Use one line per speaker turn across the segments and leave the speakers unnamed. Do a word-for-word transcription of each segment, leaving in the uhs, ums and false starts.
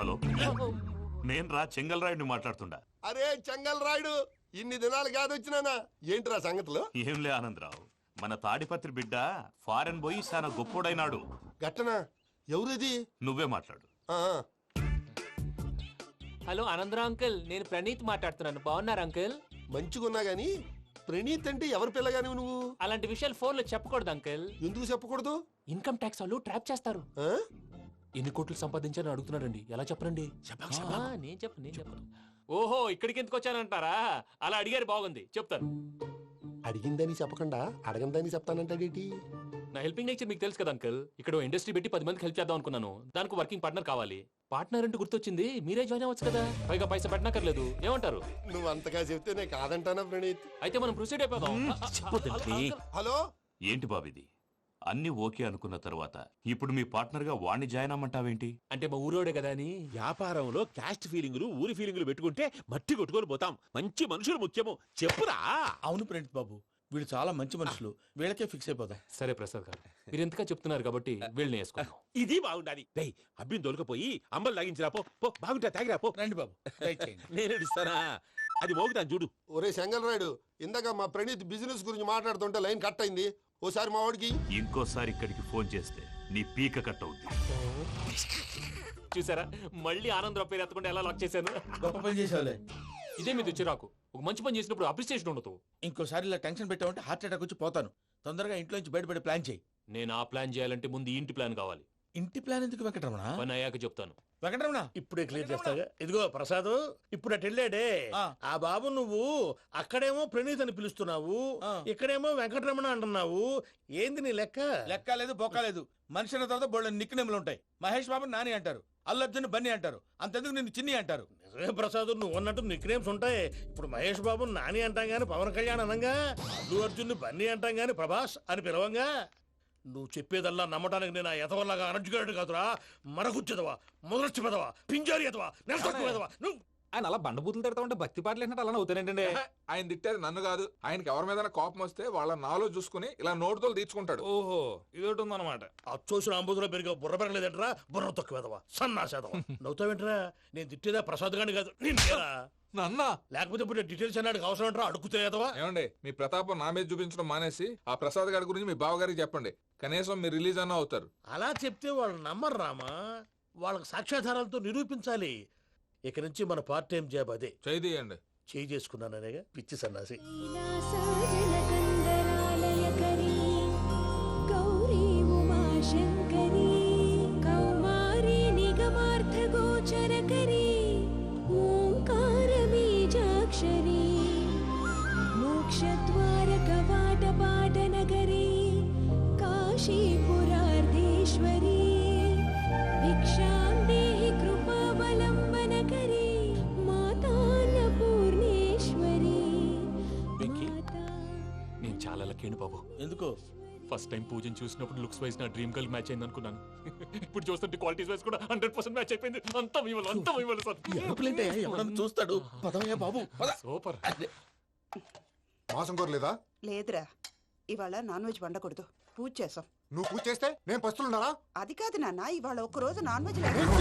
Hello, నేను రా చెంగల్ రాయుడిని మాట్లాడుతుండా.
అరే చెంగల్ రాయుడు, ఇన్ని దినాలు కాదు వచ్చినానా? ఏంట్రా సంగతులు?
ఏంలే ఆనందరావు, మన తాడిపత్రి బిడ్డ ఫారెన్ పోయి చాలా గొప్పోడైనాడు.
గట్టనా? ఎవరిది?
నువ్వే మాట్లాడు.
హలో ఆనందరావు అంకుల్, నేను ప్రణీత్ మాట్లాడుతున్నాను. బాగున్నారు అంకుల్?
మంచిగున్నా గాని ప్రణీత్ అంటే ఎవరి పిల్లగాని నువ్వు?
అలాంటి విషయాలు ఫోన్ లో చెప్పకూడదు అంకుల్.
ఎందుకు చెప్పకూడదు?
ఇన్కమ్ ట్యాక్స్ వాళ్ళు ట్రాప్ చేస్తారు. ఎన్ని కోట్లు సంపాదించాలని అడుగుతున్నారండి, ఎలా చెప్పరండి? ఆ, నేను చెప్పను నేను చెప్పను. ఓహో, ఇక్కడికి ఎందుకు వచ్చానంటారా? అలా అడిగారు, బాగుంది, చెప్తాను.
అడిగిందని చెప్పకుండా అడగందని చెప్తానంటాడేటి?
నా హెల్పింగ్ నేచర్ మీకు తెలుసు కదా అంకుల్. ఇక్కడ ఇండస్ట్రీ పెట్టి పది మందికి హెల్ప్ చేద్దాం అనుకున్నాను. దానికి వర్కింగ్ పార్ట్నర్ కావాలి. పార్ట్నర్ అంటే గుర్తొచ్చింది, మీరే జాయిన్ అవ్వచ్చు కదా, పైగా పైసా పెట్టనక్కర్లేదు. ఏమంటారు?
నువ్వు అంతగా చెప్తే నేను కాదంటానా ప్రణీత్?
అయితే మనం ప్రొసీడ్ అయిపోదాం.
హలో,
ఏంటి బాబిది? అన్ని ఓకే అనుకున్న తర్వాత ఇప్పుడు మీ పార్ట్నర్ గా వాణ్ణి జాయిన్ అమ్మంటావేంటి?
అంటే మా ఊరోడే కదా అని.
వ్యాపారంలో క్యాస్ట్ ఫీలింగులు, ఊరి ఫీలింగులు పెట్టుకుంటే మట్టి కొట్టుకొని పోతాం. మంచి మనుషులు ముఖ్యము. చెప్పురా.
అవును ప్రణీత్ బాబు, వీళ్ళు చాలా మంచి మనుషులు, వీళ్ళకే ఫిక్స్ అయిపోదాం.
సరే ప్రసాద్ గారు, మీరు ఎంతగా చెప్తున్నారు కాబట్టి వీళ్ళని వేసుకున్నాం.
ఇది బాగుండాలి. డై అబ్బిని దొలకపోయి అమ్మలు లాగించిరా పో. పో బాగుంటా, తాగిరా పో.
రండి బాబు, దయచేయండి.
నేను ఇస్తానా? అది మోగుతాను చూడు.
ఒరే చెంగల్ రాయుడు, ఇందాక మా ప్రణీత్ బిజినెస్ గురించి మాట్లాడుతుంటే లైన్ కట్ అయింది. ఓసారి మా వాడికి
ఇంకోసారి ఇక్కడికి ఫోన్ చేస్తే నీ పీక కట్ అవుద్ది.
చూసారా, మళ్ళీ ఆనందరావు పేరు ఎత్తకుండా ఎలా లాక్ చేశాను.
గొప్ప పని చేసేవాళ్ళే.
ఇదే మీద చిరాకు. ఒక మంచి పని చేసినప్పుడు అప్రిసియేషన్ ఉండదు.
ఇంకోసారి ఇలా టెన్షన్ పెట్టామంటే హార్ట్ అటాక్ వచ్చి పోతాను. తొందరగా ఇంట్లో నుంచి బయటపడే ప్లాన్ చేయి.
నేను ఆ ప్లాన్ చేయాలంటే ముందు ఇంటి ప్లాన్ కావాలి.
ఇంటి ప్లాన్ ఎందుకు వెంకటరమణ?
పని అయ్యాక చెప్తాను.
వెంకటరమణ
ఇప్పుడే క్లియర్ చేస్తాగా. ఇదిగో ప్రసాద్, ఇప్పుడు అటు వెళ్ళాడే
ఆ.
ఆ బాబు, నువ్వు అక్కడేమో ప్రణీత్ అని పిలుస్తున్నావు,
ఆ.
ఇక్కడేమో వెంకటరమణ అంటున్నావు. ఏంది నీ లెక్క?
లెక్క లేదు, బొక్క లేదు. మనిషి అన్న తర్వాత బోళ్ళ నిక్నెములు ఉంటాయి. మహేష్ బాబు నాని అంటారు, అల్లు అర్జున్ బన్నీ అంటారు, అంతెందుకు నిన్ను చిన్ని అంటారు.
నిజమే ప్రసాద్, నువ్వు అన్నట్టు నిక్నేమ్స్ ఉంటాయి. ఇప్పుడు మహేష్ బాబు నాని అంటాం గాని పవన్ కళ్యాణ్ అనంగా, అల్లు అర్జున్ బన్నీ అంటాం గాని ప్రభాస్ అని పిలవంగా. నువ్వు చెప్పేదల్లా నమ్మటానికి నేను ఆ ఎతవల్లాగా అనర్జుకేటెడ్ కాదురా. మరగుచ్చదవా, మొదలచ్చి పెదవా, పింజారి ఎదవా, నెలసొక్కుదవా నువ్వు.
ఆయన అలా బండబూతులు తిడతా ఉంటే భక్తి పాటలు ఏంటంటే అలా అవుతానంటే.
ఆయన తిట్టేది నన్ను కాదు, ఆయనకి ఎవరి మీద కోపం వస్తే వాళ్ళ నాలో చూసుకుని ఇలా నోటుతో తీర్చుకుంటాడు.
ఓహో, ఇదొకటి ఉందన్నమాట.
అచ్చోసిన అంబుధులో పెరిగే బుర్ర పెరగలేదంటరా, బుర్ర తొక్కువేదవా, సన్నాసేదవా. నవ్వుతావేంటరా? నేను తిట్టేదా ప్రసాద్ గాని కాదు, నిన్నేరా.
నన్న
లేకపోతే ఇప్పుడు డీటెయిల్స్ అన్నాడు అవసరం అంటారా? అడుగుతాయేదవా.
ఏమండి, మీ ప్రతాపం నా మీద చూపించడం మానేసి ఆ ప్రసాద్ గారి గురించి మీ బావగారికి చెప్పండి. కనీసం మీరు రిలీజ్ అన్న అవుతారు.
అలా చెప్తే వాళ్ళు నమ్మరు రామా. వాళ్ళకి సాక్ష్యాధారాలతో నిరూపించాలి. ఇక నుంచి మన పార్ట్ టైం జాబ్ అదే.
చేయండి.
చేయి చేసుకున్నాననేగా పిచ్చి సన్నాసి.
నేను చాలా లక్కీని బాబు.
ఎందుకు?
ఫస్ట్ టైం పూజను చూసినప్పుడు లుక్స్ వైజ్ నా డ్రీమ్ గర్ల్ మ్యాచ్ అయింది అనుకున్నాను. ఇప్పుడు చూస్తుంటే క్వాలిటీస్ వైజ్ కూడా హండ్రెడ్ పర్సెంట్ మ్యాచ్ అయిపోయింది. అంతా ఇవ్వాలి, అంతా ఇవ్వాలి సార్.
ఎవడన్నా చూస్తాడు. పదవయ్యా బాబు, పద.
సూపర్.
మాసం కోరలేదా?
లేదురా, ఇవాళ నాన్ వెజ్ వండకూడదు, పూజ చేసాం.
నువ్వు పూజ చేస్తే నేను పస్తులున్నారా?
అది కాదు నాన్న, ఇవాళ ఒక్క రోజు నాన్ వెజ్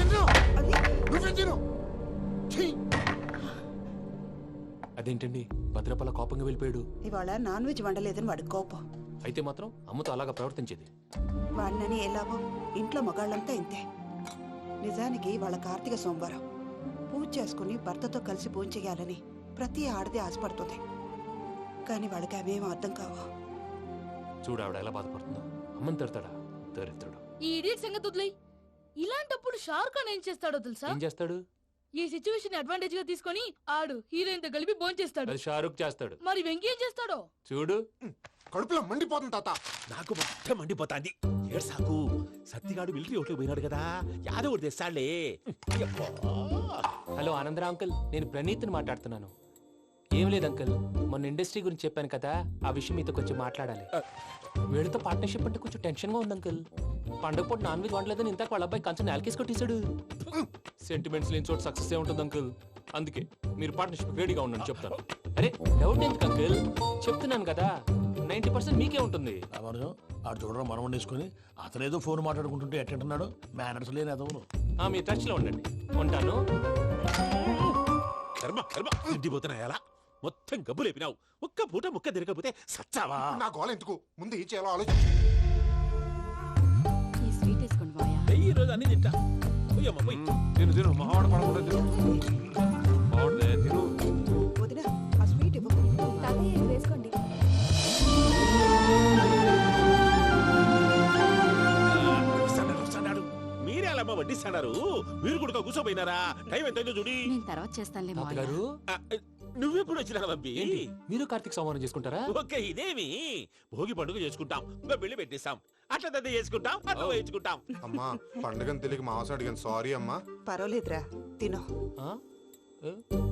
అదేంటండి, భద్రపల కోపంగా వెళ్ళిపోయాడు.
ఇవాళ నాన్ వెజ్ వండలేదని వాడి కోపం.
అయితే మాత్రం అమ్మతో అలాగా ప్రవర్తించేది.
వాడినని ఎలాగో ఇంట్లో మగాళ్ళంతా ఇంతే. నిజానికి వాళ్ళ కార్తీక సోమవారం పూజ చేసుకుని భర్తతో కలిసి పూజ చేయాలని ప్రతి ఆడది ఆశపడుతుంది. కానీ వాళ్ళకి అవేం అర్థం కావు.
చూడు ఆవిడ ఎలా బాధపడుతుందో. అమ్మని తిడతాడా దరిద్రుడు.
ఈ ఇడియట్ సంగతి వదిలేయ్. ఇలాంటప్పుడు షారుఖ్ ఖాన్ ఏం చేస్తాడో తెలుసా?
ఏం చేస్తాడు?
ఈ సిచ్యువేషన్ అడ్వాంటేజ్ గా తీసుకొని ఆడు హీరోయిన్ తో కలిపి బోన్ చేస్తాడు.
అది షారుఖ్ చేస్తాడు.
మరి వెంకీ ఏం చేస్తాడో
చూడు.
కడుపులో మండిపోతుంది తాత.
నాకు మొత్తం మండిపోతాంది. ఏడు సాకు, సత్తిగాడు మిలిటరీ ఓట్లకు పోయినాడు కదా, యాదవ్ ఒకటి తెస్తాడులే.
హలో ఆనందరా అంకుల్, నేను ప్రణీత్ని మాట్లాడుతున్నాను. ఏం లేదు అంకుల్, మొన్న ఇండస్ట్రీ గురించి చెప్పాను కదా, ఆ విషయం మీతో కొంచెం మాట్లాడాలి. వీళ్ళతో పార్ట్నర్షిప్ అంటే కొంచెం టెన్షన్ గా ఉంది అంకుల్. పండగ పూట నాన్ వెజ్ వండలేదని ఇంతకు వాళ్ళ అబ్బాయి కంచెం నేలకేసి కొట్టేశాడు. సెంటిమెంట్స్ లేని చోట సక్సెస్ ఏ ఉంటుంది అంకుల్. అందుకే మీరు పార్ట్నర్షిప్ రెడీగా ఉండండి చెప్తాను. అరే డౌట్ ఎందుకు అంకుల్, చెప్తున్నాను కదా, నైన్టీ పర్సెంట్ మీకే ఉంటుంది.
ఆడు చూడడం మనం వండేసుకొని అతనేదో ఫోన్ మాట్లాడుకుంటుంటే ఎట్టంటున్నాడు. మేనర్స్ లేని అదవును.
ఆ, మీ టచ్ లో ఉండండి. ఉంటాను.
కర్మ కర్మ తిండిపోతున్నాయలా మొత్తం గబ్బు లేపినావు. ఒక్క పూట ముక్క తిరగకపోతే సచ్చావా?
నా గోల ఎందుకు ముందు ఈ చేయాలో ఆలోచించు.
ఈ స్వీట్ వేసుకోండి బాయా.
ఈ రోజు అన్ని తింటా. పోయమ్మ పోయి.
తిను తిను మావాడ పడకుండా తిను మావాడదే తిను.
వదిన ఆ స్వీట్ ఇవ్వకు.
వేసుకోండి.
వస్తాడారు, వస్తాడారు. మీరే అలా అమ్మ వడ్డిస్తాడారు. మీరు కూడా కూర్చోపోయినారా? టైం ఎంతైందో చూడి.
నేను తర్వాత చేస్తానులే మావయ్య.
తాతగారు
ఆ, నువ్వెప్పుడు వచ్చినా అబ్బి?
ఏంటి మీరు కార్తీక్ సంహారం చేసుకుంటారా?
ఓకే ఇదేమి భోగి పండుగ చేసుకుంటాం, ఇంకా పెళ్లి పెట్టేస్తాం, అట్లా దద్ద చేసుకుంటాం, అట్లా వేయించుకుంటాం.
అమ్మా పండుగని తెలియక మావస అడిగాను సారీ అమ్మా.
పర్వాలేదురా తినో.
ఆ? ఏ?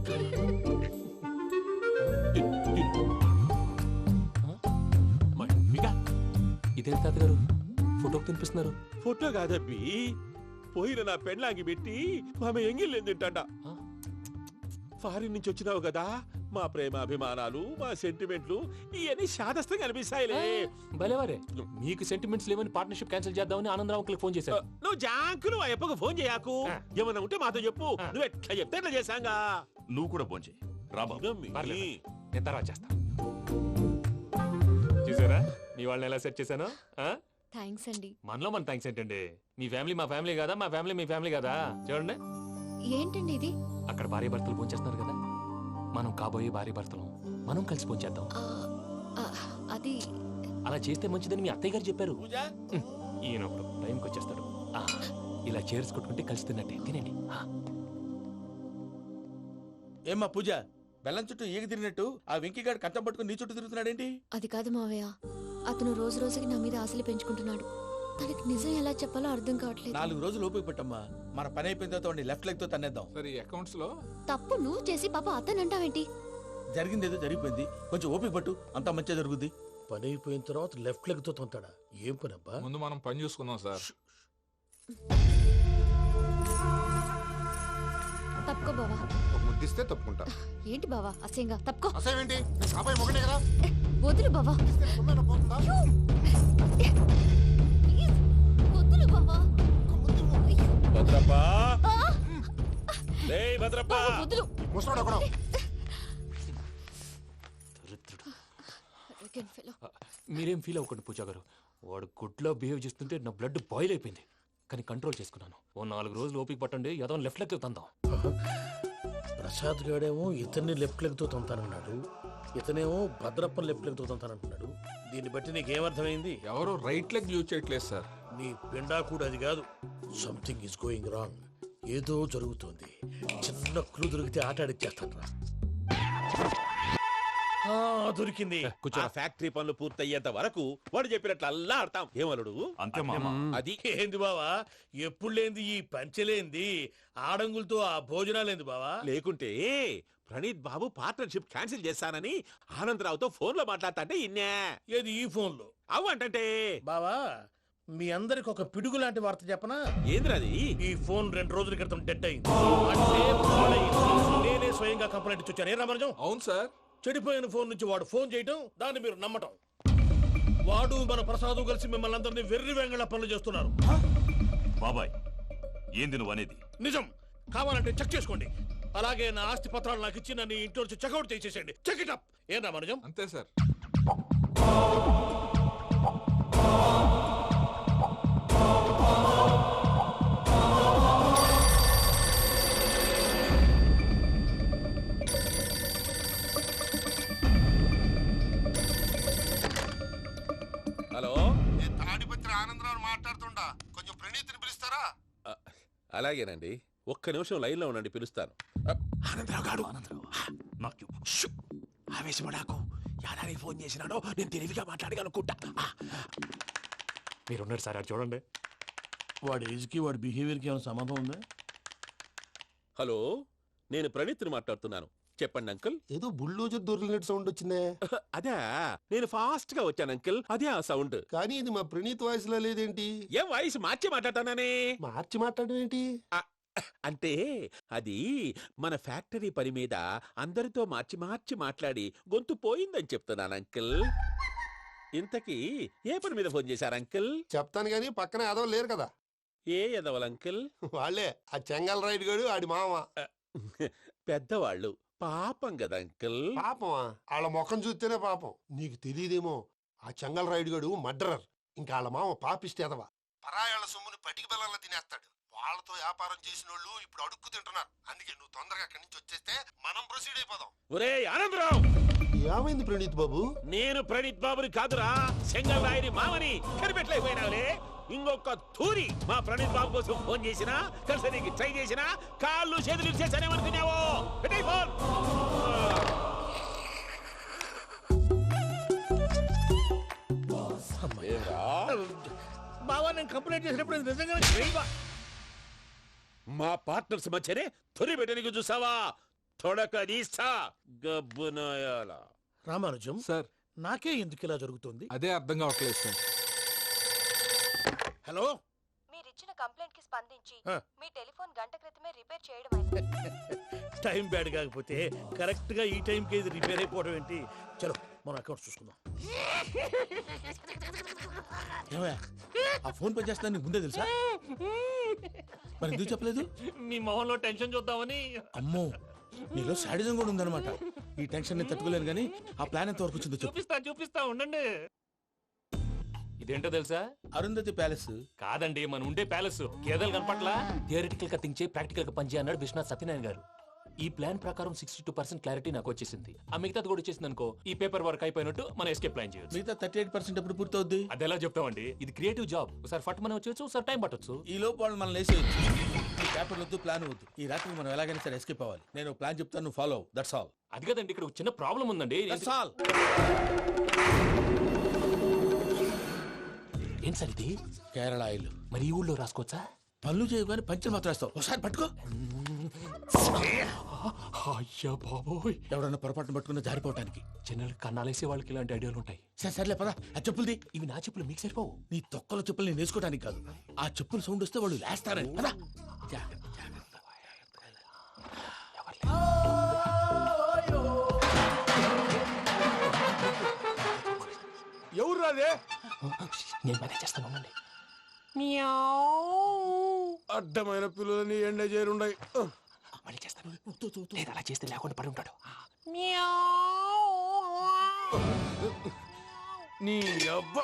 మీకా
ఇదేంటి తాతగారు ఫోటోకి తినిపిస్తున్నారు?
ఫోటో కాదబ్బి, పోయిన నా పెళ్ళాంగి పెట్టి ఆమె ఎంగిల్లేం తింటాడ.
ఆ?
ఫారిన్ నుంచి వచ్చినావు కదా, మా ప్రేమ అభిమానాలు మా సెంటిమెంట్లు ఇవన్నీ శాదస్తంగా అనిపిస్తాయిలే.
భలేవారే, మీకు సెంటిమెంట్స్ లేవని పార్ట్నర్షిప్ క్యాన్సిల్ చేద్దామని ఆనందరావు అంకుల్కి ఫోన్ చేశారు.
నువ్వు జాంకులు ఆ అప్పకు ఫోన్ చేయకు.
ఆ.
ఏమన్నా ఉంటే మాతో చెప్పు.
ఆ.
నువ్వు ఎట్లా చెప్తే ఎట్లా చేశాంగా.
నువ్వు కూడా భోంచేయి రా బాబు.
పర్లేదు, నేను తర్వాత చేస్తా. చూసారా మీ వాళ్ళని ఎలా సెట్ చేశాను? ఆ?
థ్యాంక్స్ అండి.
మనలో మన థ్యాంక్స్ ఏంటండి? మీ ఫ్యామిలీ మా ఫ్యామిలీ కదా, మా ఫ్యామిలీ మీ ఫ్యామిలీ కదా. చూడండి,
ఏంటండి ఇది?
అక్కడ భార్య భర్తలు పోంచేస్తున్నారు కదా, మనం కాబోయే భార్య భర్తలు మనం కలిసి పోంచేద్దాం.
ఆ, ఆ, అది
అలా చేస్తే మంచిదని మీ అత్తయ్య గారు చెప్పారు.
పూజ
ఉమ్, ఈయన ఒకడు టైంకి వచ్చేస్తాడు. ఆ, ఇలా చేర్స్ కొట్టుకుంటే కలిసి తిన్నట్టే. తినండి. ఆ,
ఏమ్మా పూజ, బెల్లం చుట్టూ ఈగ తిరిగినట్టు ఆ వెంకీగాడు కంచం పట్టుకుని నీ చుట్టూ తిరుగుతున్నాడేంటి?
అది కాదు మావయ్య, అతను రోజు రోజుకి నా మీద ఆశలు పెంచుకుంటున్నాడు. తనకి నిజం ఎలా చెప్పాలో అర్థం కావట్లేదు.
నాలుగు రోజులు ఓపిక పట్టమ్మా, మన పని అయిపోయిన తర్వాత వాడిని లెఫ్ట్ లెగ్ తో తన్నేద్దాం.
సరే అకౌంట్స్ లో
తప్పు నువ్వు చేసి పాప అతను అంటావేంటి?
జరిగింది ఏదో జరిగిపోయింది, కొంచెం ఓపిక పట్టు, అంతా మంచిగా జరుగుద్ది. పని అయిపోయిన తర్వాత లెఫ్ట్ లెగ్ తో తొంతాడా? ఏం పని అబ్బా?
ముందు మనం పని చూసుకుందాం సార్.
తప్పుకో బావా.
ఒక ముద్దిస్తే తప్పుకుంటా.
ఏంటి బావా అసహ్యంగా? తప్పుకో.
అసేమేంటి కాబోయే మొగనే కదా.
వదులు బావా.
ఇస్తే సొమ్మేనా పోతుందా?
ప్లీజ్, వదులు బావా. అయ్యో.
భద్రప్పా,
ఆ!
లే భద్రప్పా.
బావా, వదులు.
ముసలోడు ఒకడు.
దరిద్రుడు.
Arrogant fellow.
ఆ, మీరేం ఫీల్ అవ్వకండి పూజా గారు. వాడు గుడ్లో బిహేవ్ చేస్తుంటే నా బ్లడ్ బాయిల్ అయిపోయింది, కానీ కంట్రోల్ చేసుకున్నాను. ఓ నాలుగు రోజులు ఓపిక పట్టండి, ఏదో లెఫ్ట్ లెక్క తందాం.
ప్రసాద్ గాడేమో ఇతన్ని లెఫ్ట్ లెగ్ తో తొంతానన్నాడు, ఇతనేమో భద్రప్పని లెఫ్ట్ లెగ్ తో తొంతానంటున్నాడు. దీన్ని బట్టి నీకేమర్థమైంది?
ఎవరు రైట్ లెగ్ యూజ్ చేయట్లేదు సార్.
నీ పిండా కూడా అది కాదు. Something is going wrong. ఏదో జరుగుతోంది. చిన్న క్లూ దొరికితే ఆట ఆడిచ్చేస్తాను రా. ఆ, దొరికింది.
ఆ ఫ్యాక్టరీ పనులు పూర్తయ్యేంత వరకు వాడు చెప్పినట్లు అల్లా ఆడతాం. ఏమలుడు
అంతే మామ.
అది
ఏంది బావా, ఎప్పుడు లేంది ఈ పంచలేంది, ఆడంగులతో ఆ భోజనాలేంది బావా?
లేకుంటే ప్రణీత్ బాబు పార్ట్నర్షిప్ క్యాన్సిల్ చేస్తానని ఆనందరావుతో ఫోన్ లో మాట్లాడతాంటే ఇన్నే.
ఏది ఈ ఫోన్ లో?
అవు అంటే
బావా, మీ అందరికి ఒక పిడుగు లాంటి వార్త చెప్పనా?
ఏంద్రది?
ఈ ఫోన్ రెండు రోజుల క్రితం డెడ్ అయింది. అంటే పాడైంది. నేనే స్వయంగా కంప్లైంట్ ఇచ్చి వచ్చాను. ఏ రామరాజం?
అవును సార్.
చెడిపోయిన ఫోన్ నుంచి వాడు ఫోన్ చేయటం, దాన్ని మీరు నమ్మటం. వాడు మన ప్రసాదు కలిసి మిమ్మల్ని అందరినీ వెర్రి వెంగళ పనులు చేస్తున్నారు.
బాబాయ్ ఏంది నువ్వు అనేది?
నిజం. కావాలంటే చెక్ చేసుకోండి. అలాగే నా ఆస్తి పత్రాలు నాకు ఇచ్చి నన్ను ఇంట్లో నుంచి చెక్అౌట్ చేసేసేయండి. Check it up. ఏం రామరాజం?
అంతే సార్.
హలో,
నేను తాడిపత్రి ఆనందరావు మాట్లాడుతుండా, కొంచెం ప్రణీతిని పిలుస్తారా?
అలాగేనండి, ఒక్క నిమిషం లైన్ లో ఉండండి, పిలుస్తాను. ఆనందరావు గాడు.
నాకు
షూ! ఆవేశపడాకు. యాదానికి ఫోన్ చేసినాడో నేను తెలివిగా మాట్లాడగలనుకుంటా.
మీరున్నారు సార్, అది చూడండి.
వాడి ఏజ్ కి వాడి బిహేవియర్ కి ఏమైనా సంబంధం ఉందా?
హలో, నేను ప్రణీత్ని మాట్లాడుతున్నాను. చెప్పండి అంకుల్.
ఏదో బుల్డోజర్ దొరికినట్టు సౌండ్ వచ్చిందే.
అదే, నేను ఫాస్ట్ గా వచ్చాను అంకుల్, అదే ఆ సౌండ్.
కానీ ఇది మా ప్రణీత్ వాయిస్ లో లేదేంటి?
ఏం వాయిస్ మార్చి మాట్లాడతానే?
మార్చి మాట్లాడడం ఏంటి?
అంటే అది మన ఫ్యాక్టరీ పని మీద అందరితో మార్చి మార్చి మాట్లాడి గొంతు పోయిందని చెప్తున్నాను అంకుల్. ఇంతకీ ఏ పని మీద ఫోన్ చేశారు అంకుల్?
చెప్తాను గానీ పక్కన ఏదో లేరు కదా.
ఏ ఎదవల అంకిల్?
వాళ్ళే ఆ చెంగల్ రైడ్ గడు ఆడి మామ.
పెద్దవాళ్ళు పాపం కదా అంకిల్.
పాపమా? వాళ్ళ ముఖం చూస్తేనే పాపం. నీకు తెలియదేమో, ఆ చెంగల్ రైడ్ గడు మర్డరర్. ఇంకా వాళ్ళ మామ పాపిస్తేదవా. పరాయాళ్ళ సొమ్ముని పటికి బెల్లంలో తినేస్తాడు. వాళ్ళతో వ్యాపారం చేసిన వాళ్ళు ఇప్పుడు అడుక్కు తింటున్నారు. అందుకే నువ్వు తొందరగా అక్కడి నుంచి వచ్చేస్తే మనం ప్రొసీడ్ అయిపోదాం.
ఒరే ఆనందరావు,
ఏమైంది ప్రణీత్ బాబు?
నేను ప్రణీత్ బాబుని కాదురా, సెంగల్ రాయని మామని. కనిపెట్టలేకపోయినావులే. ఇంకొక తూరి మా ప్రణీత్ బాబు కోసం ఫోన్ చేసినా, కలిసి నీకు ట్రై చేసినా కాళ్ళు చేతులు చేశానేమనుకున్నావో. పెట్టేయ్ ఫోన్.
బావా, నేను కంప్లైంట్ చేసినప్పుడు ఇది నిజంగానే చేయవా?
మా పార్ట్నర్స్ మధ్యనే తొలి పెట్టడానికి చూసావా? తొడక నీస్తా గబ్బునాయాల.
రామానుజం
సార్,
నాకే ఎందుకు ఇలా జరుగుతుంది?
అదే అర్థం కావట్లేదు సార్.
హలో,
మీరిచ్చిన కంప్లైంట్ కి స్పందించి
ఆ.
మీ టెలిఫోన్ గంట క్రితమే రిపేర్ చేయడం అయింది.
టైం బ్యాడ్ కాకపోతే కరెక్ట్ గా ఈ టైం కి ఇది రిపేర్ అయిపోవడం ఏంటి? చలో మన అకౌంట్ చూసుకుందాం.
ఏమయ్య, ఆ ఫోన్ పని చేస్తున్నా నీకు ముందే తెలుసా? మరి ఎందుకు చెప్పలేదు?
మీ మొహంలో టెన్షన్ చూద్దామని.
అమ్మో, నీలో శాడిజం కూడా ఉందన్నమాట. ఈ టెన్షన్ ని తట్టుకోలేను కానీ ఆ ప్లాన్ ఎంత వరకు వచ్చిందో చెప్పు.
చూపిస్తా చూపిస్తా ఉండండి. ఇదేంటో తెలుసా?
అరుంధతి ప్యాలెస్
కాదండి, మన ఉండే ప్యాలెస్. గేదెలు కనపట్లా? థియరిటికల్ గా థింక్ చేయి, ప్రాక్టికల్ గా పనిచేయి అన్నాడు విశ్వనాథ్ సత్యనారాయణ గారు. ఈ ప్లాన్ ప్రకారం సిక్స్టీ టూ పర్సెంట్ క్లారిటీ నాకు వచ్చేసింది. ఆ మిగతాది కూడా వచ్చేసింది అనుకో, ఈ పేపర్ వర్క్ అయిపోయినట్టు మనం ఎస్కేప్ ప్లాన్ చేయొచ్చు.
మిగతా థర్టీ ఎయిట్ పర్సెంట్ ఎప్పుడు పూర్తవుద్ది?
అది ఎలా చెప్తామండి? ఇది క్రియేటివ్ జాబ్. ఒకసారి ఫట్ మనం వచ్చేయచ్చు, ఒకసారి టైం పట్టొచ్చు.
ఈ లోపు వాళ్ళు మనం లేసేయచ్చు. ఈ పేపర్ వద్దు, ప్లాన్ వద్దు. ఈ రాత్రికి మనం ఎలాగైనా సరే ఎస్కేప్ అవ్వాలి. నేను ప్లాన్ చెప్తాను, నువ్వు ఫాలో. That's all.
అది కదండి, ఇక్కడ ఒక చిన్న ప్రాబ్లం ఉందండి.
That's all.
ఏం సార్ ఇది?
కేరళ ఆయిల్.
మరి ఈ ఊళ్ళో రాసుకోవచ్చా?
పనులు చేయవు కానీ పంచర్ మాత్రం వేస్తావు. ఒకసారి పట్టుకో.
అయ్యా బాబోయ్,
ఎవడన్నా పొరపాటున పట్టుకున్న జారిపోవటానికి.
జనరల్ కన్నాలేసే వాళ్ళకి ఇలాంటి ఐడియాలు ఉంటాయి.
సరే సర్లే పదా. ఆ చెప్పులది.
ఇవి నా చెప్పులు, మీకు సరిపోవు.
నీ తొక్కల చెప్పులు నేను వేసుకోవడానికి కాదు, ఆ చెప్పులు సౌండ్ వస్తే వాళ్ళు లేస్తారని. పదా.
ఎవరు రాదే?
నేను మేనేజ్ చేస్తాను, ఉండండి.
అడ్డమైన పిల్లలని ఎండ చేరుండయి.
మళ్ళీ చేస్తాను. లేదు, అలా చేస్తే లేకుండా పడి ఉంటాడు.
నీ అబ్బ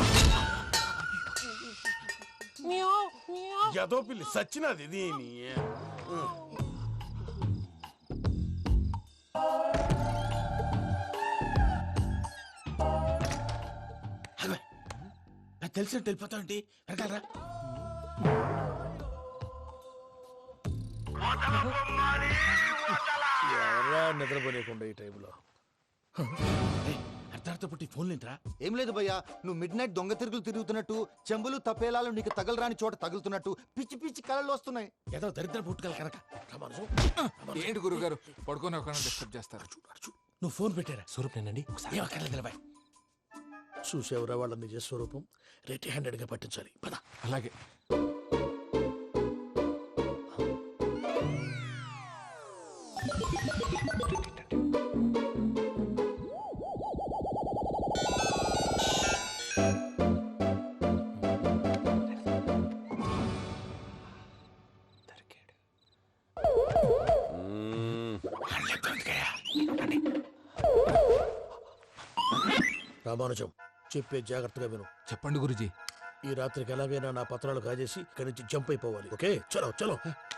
ఎదో పిల్లి సచ్చినది దీని.
నాకు తెలిసినట్టు వెళ్ళిపోతావంటి. వెనకాలరా.
ఎవరా నిద్రపోలేకుండా ఈ టైంలో?
అర్ధార్థ పుట్టి ఫోన్ లేంట్రా.
ఏం లేదు భయ్యా, నువ్వు మిడ్ నైట్ దొంగ తిరుగులు తిరుగుతున్నట్టు, చెంబులు తపేలాలు నీకు తగలరాని చోట తగులుతున్నట్టు పిచ్చి పిచ్చి కళలు వస్తున్నాయి.
ఏదో దరిద్ర పుట్టుకల కనుక.
ఏంటి గురుగారు పడుకొని ఒక డిస్టర్బ్ చేస్తారు?
నువ్వు ఫోన్ పెట్టారా?
స్వరూప్ నేనండి.
ఏం అక్కర్లేదు నిలబాయ్.
చూసేవరా వాళ్ళ నిజ స్వరూపం. రెట్టి హ్యాండెడ్ గా పట్టించాలి. పద.
అలాగే.
రామానుజం, చెప్పే జాగ్రత్తగా విను.
చెప్పండి గురుజీ.
ఈ రాత్రికి ఎలాగైనా నా పత్రాలు కాజేసి ఇక్కడి నుంచి జంప్ అయిపోవాలి. ఓకే, చలో చలో.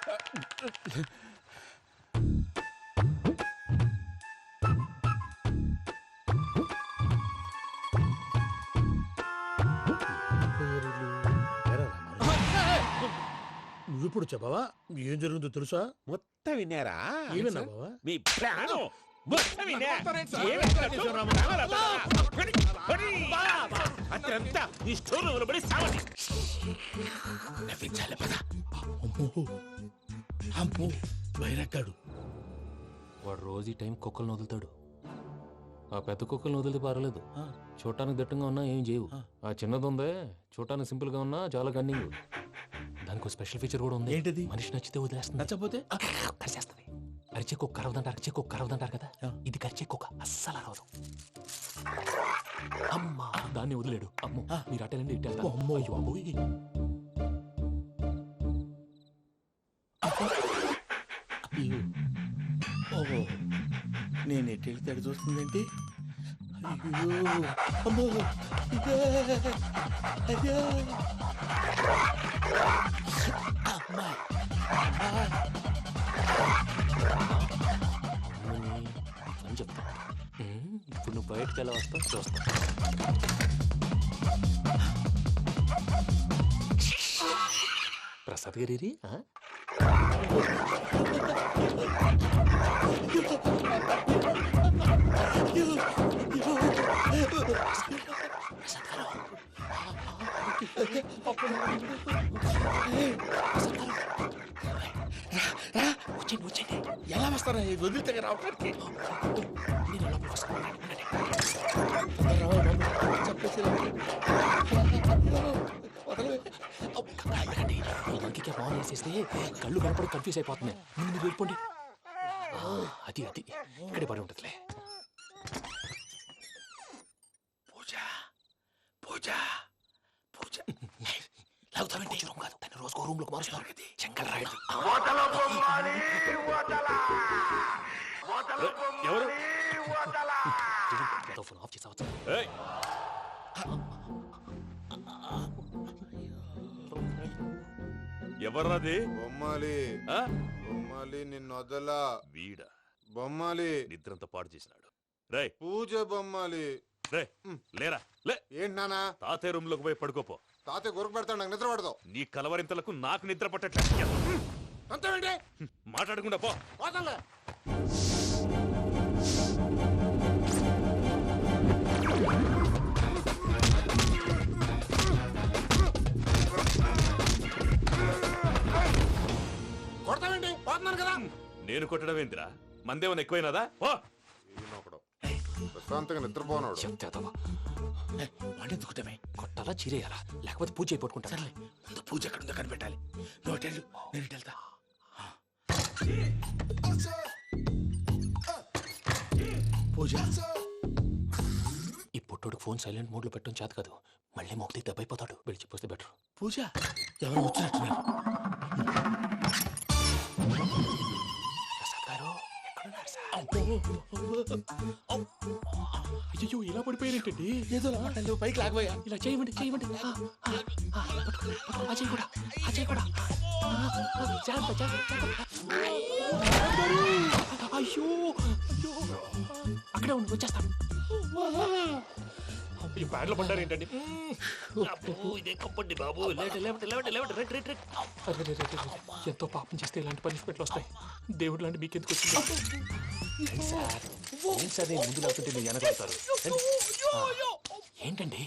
నువ్విప్పుడు చెప్పవా ఏం జరిగిందో తెలుసా?
మొత్తం విన్నారా?
ఏమన్నా బావా?
మీ ప్లాను మొత్తం విన్నా. అత్యంతా ఈ స్టోర్ రూమ్ పడి సావండి.
నవ్వించాలి పద. అమ్మో అమ్మో, వైరక్కాడు.
వాడు రోజు ఈ టైం కుక్కలను వదులుతాడు. ఆ పెద్ద కుక్కలను వదిలితే పర్వాలేదు, చూడటానికి దట్టంగా ఉన్నా ఏం చేయవు. ఆ చిన్నది ఉందే, చూడటానికి సింపుల్ గా ఉన్నా చాలా గన్నింగ్. దానికి స్పెషల్ ఫీచర్ కూడా ఉంది.
ఏంటిది?
మనిషి నచ్చితే వదిలేస్తుంది,
నచ్చపోతే
కరిచేస్తుంది. అరిచే కుక్క అరవదంటారు, అరిచే కుక్క అరవదంటారు కదా, ఇది కరిచే కుక్క అస్సలు అరవదు. అమ్మా, దాన్ని వదిలేడు. అమ్మో, మీరు అటెండి ఇటు.
అమ్మో.
అయ్యో అబ్బోయ్.
నేను ఎటు వెళ్తే అటు చూస్తుందంటే అయ్యో అమ్మో ఇదే అయ్యో అమ్మా
అని చెప్తా. ఇప్పుడు నువ్వు బయటకు ఎలా వస్తావు చూస్తా. ప్రసాద్ గారి
వచ్చండి వచ్చండి ఎలా వస్తారా వదిలితే రావడానికి
నేను లోపలికి వస్తాను.
చెప్పేసి
ఇంకే ఫోన్ వేసేస్తే కళ్ళు కనపడి కన్ఫ్యూజ్ అయిపోతున్నాయి. ముందు మీరు వెళ్ళిపోండి. అది అది ఇక్కడే పడి ఉంటుందిలే.
పూజ పూజ పూజ లాగుతామంటే రూమ్ కాదు, దాన్ని రోజుకో రూమ్ లోకి మారుస్తున్నారు కదా. చెంగల్ రాయుడు
ఎవరు
ఫోన్ ఆఫ్ చేసావచ్చు.
ఎవర్రాది?
బొమ్మాలి బొమ్మాలి నిన్ను వదలా.
వీడ
బొమ్మాలి
నిద్రంతా పాడు చేసినాడు. రే
పూజ బొమ్మాలి.
రే లేరా లే.
ఏంటి నానా?
తాతయ్య రూమ్ లోకి పోయి పడుకోపో.
తాతయ్య గురకు పెడతాడు, నాకు నిద్ర పడతావు.
నీ కలవరింతలకు నాకు నిద్ర పట్టట్లేదు.
అంతేంటి
మాట్లాడకుండా పో.
పోతాలే. కొడతావేంటి? పోతున్నాను కదా.
నేను కొట్టడం ఏంటిరా? మందేమన్నా ఎక్కువైనదా? పో.
ప్రశాంతంగా నిద్రపోనాడు.
వాడెందుకుంటామే?
కొట్టాలా చీరేయాలా లేకపోతే పూజ అయిపోట్టుకుంటా.
సర్లే ముందు పూజ ఎక్కడ ఉందో కనిపెట్టాలి. నువ్వు వెళ్ళు, నేను ఇటు వెళ్తా. పూజ
ఈ పుట్టోడు ఫోన్ సైలెంట్ మోడ్ లో పెట్టడం చేత కాదు. మళ్ళీ మొక్కి దెబ్బైపోతాడు. వెళ్ళి చెప్పొస్తే బెటర్.
పూజ ఎవరు వచ్చినట్టున్నారు.
ప్రసాద్ గారు అయ్యో ఇలా పడిపోయినట్టండి.
ఏదో మాట్లాడలేవు, పైకి లాగబోయా.
ఇలా చేయమండి చేయమండి. అజయ్ కూడా అజయ్ కూడా జాగ్రత్త జాగ్రత్త. అయ్యో అయ్యో అక్కడే ఉండి వచ్చేస్తాను. ఈ బ్యాగ్ లో పడ్డారు ఏంటండి? ఎంతో పాపం చేస్తే ఇలాంటి పనిష్మెంట్లు వస్తాయి. దేవుడు లాంటి మీకెందుకు వచ్చింది? ఏం సార్ నేను ముందు లేకుంటే మీరు వెనకాడతారు ఏంటండి?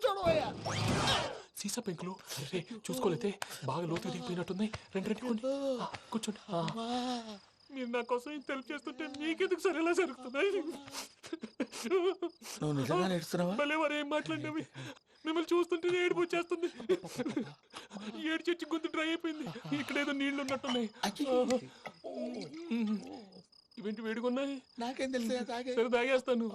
సీసా పెంకులు అరే చూసుకోలేతే బాగా లోతుగా దిగిపోయినట్టున్నాయి. రెండు రెండు కొన్ని కూర్చోండి. మీరు నా కోసం ఇంత హెల్ప్ చేస్తుంటే మీకెందుకు సరే ఎలా జరుగుతున్నాయి?
నువ్వు నిజంగా నేర్చుతున్నావా?
మళ్ళీ వారు ఏం మాట్లాడినవి మిమ్మల్ని చూస్తుంటే ఏడుపు వచ్చేస్తుంది. ఏడు చెట్టు గొంతు డ్రై అయిపోయింది. ఇక్కడ ఏదో నీళ్లు ఉన్నట్టున్నాయి. ఇవేంటి వేడుకున్నాయి?
నాకేం తెలుసు,
సరే తాగేస్తాను.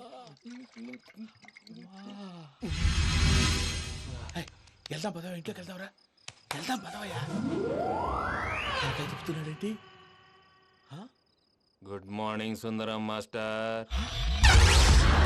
వెళ్దాం పదవా, ఇంట్లోకి వెళ్దాంరా. వెళ్దాం పదవయ్యా. చెప్తున్నాడేంటి?
Good morning Sundaram master.